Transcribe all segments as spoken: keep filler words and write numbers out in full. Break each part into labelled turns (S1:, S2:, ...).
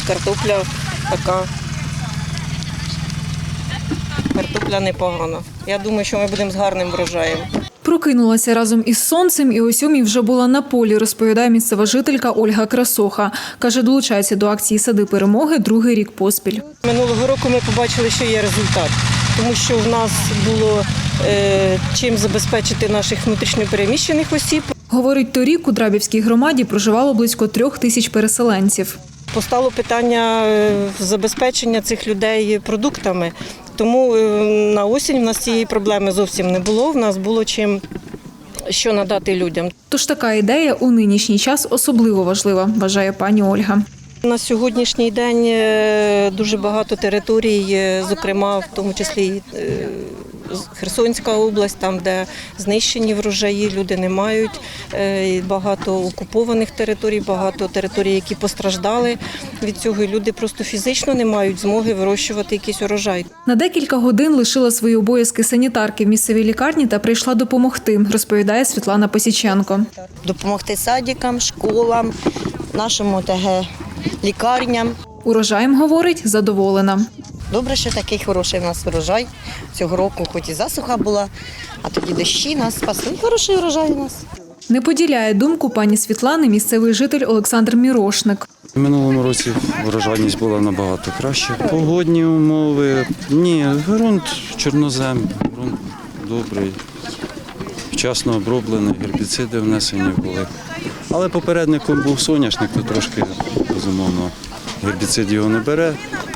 S1: картопля така, картопля непогана. Я думаю, що ми будемо з гарним врожаєм.
S2: Прокинулася разом із сонцем і о сьомій вже була на полі, розповідає місцева жителька Ольга Красоха. Каже, долучається до акції «Сади перемоги» другий рік поспіль.
S1: Минулого року ми побачили, що є результат, тому що в нас було е, чим забезпечити наших внутрішньопереміщених осіб.
S2: Говорить, торік у Драбівській громаді проживало близько трьох тисяч переселенців.
S1: Постало питання забезпечення цих людей продуктами, тому на осінь в нас цієї проблеми зовсім не було, в нас було чим що надати людям.
S2: Тож така ідея у нинішній час особливо важлива, вважає пані Ольга.
S1: На сьогоднішній день дуже багато територій, зокрема в тому числі і Херсонська область, там, де знищені врожаї, люди не мають, багато окупованих територій, багато територій, які постраждали від цього, і люди просто фізично не мають змоги вирощувати якийсь урожай.
S2: На декілька годин лишила свої обов'язки санітарки в місцевій лікарні та прийшла допомогти, розповідає Світлана Посіченко.
S3: Допомогти садикам, школам, нашому ТГ лікарням.
S2: Урожаєм, говорить, задоволена.
S3: Добре, що такий хороший в нас урожай. Цього року хоч і засуха була, а тоді дощі нас спасли. Хороший урожай у нас.
S2: Не поділяє думку пані Світлани місцевий житель Олександр Мірошник.
S4: У минулому році врожайність була набагато краще. Погодні умови, ні, ґрунт чорнозем, ґрунт добрий, вчасно оброблений, гербіциди внесені були. Але попередником був соняшник, то трошки, безумовно, гербіцид його не бере.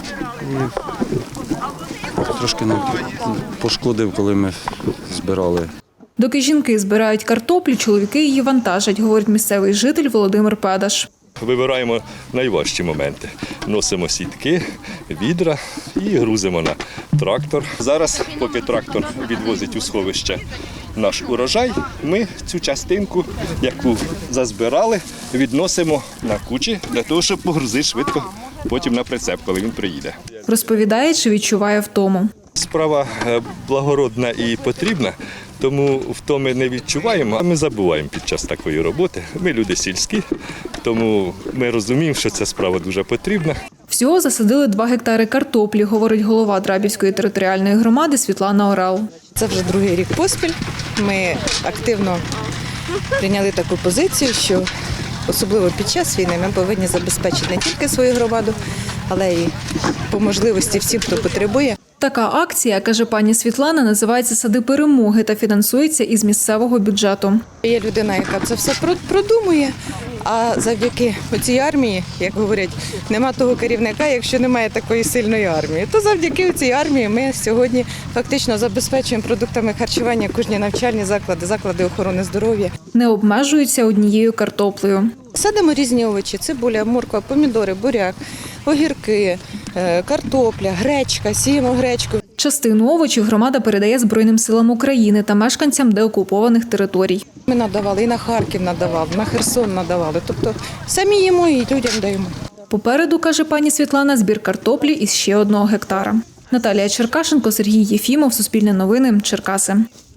S4: І трошки не пошкодив, коли ми збирали.
S2: Доки жінки збирають картоплю, чоловіки її вантажать, говорить місцевий житель Володимир Педаш.
S5: Вибираємо найважчі моменти. Носимо сітки, відра і грузимо на трактор. Зараз, поки трактор відвозить у сховище наш урожай, ми цю частинку, яку зазбирали, відносимо на кучі для того, щоб погрузити швидко потім на прицеп, коли він приїде.
S2: Розповідає, чи відчуває втому.
S5: Справа благородна і потрібна, тому втоми не відчуваємо, а ми забуваємо під час такої роботи. Ми люди сільські, тому ми розуміємо, що ця справа дуже потрібна.
S2: Всього засадили два гектари картоплі, говорить голова Драбівської територіальної громади Світлана Орал.
S6: Це вже другий рік поспіль. Ми активно прийняли таку позицію, що особливо під час війни ми повинні забезпечити не тільки свою громаду, але й по можливості всім, хто потребує.
S2: Така акція, каже пані Світлана, називається «Сади перемоги» та фінансується із місцевого бюджету.
S6: Є людина, яка це все продумує, а завдяки цій армії, як говорять, нема того керівника, якщо немає такої сильної армії. То завдяки цій армії ми сьогодні фактично забезпечуємо продуктами харчування кожні навчальні заклади, заклади охорони здоров'я.
S2: Не обмежуються однією картоплею.
S6: Садимо різні овочі – цибуля, морква, помідори, буряк, огірки, картопля, гречка, сіємо гречку.
S2: Частину овочів громада передає Збройним силам України та мешканцям деокупованих територій.
S6: Ми надавали, і на Харків надавали, на Херсон надавали. Тобто самі їмо і людям даємо.
S2: Попереду, каже пані Світлана, збір картоплі із ще одного гектара. Наталія Черкашенко, Сергій Єфімов, Суспільне новини, Черкаси.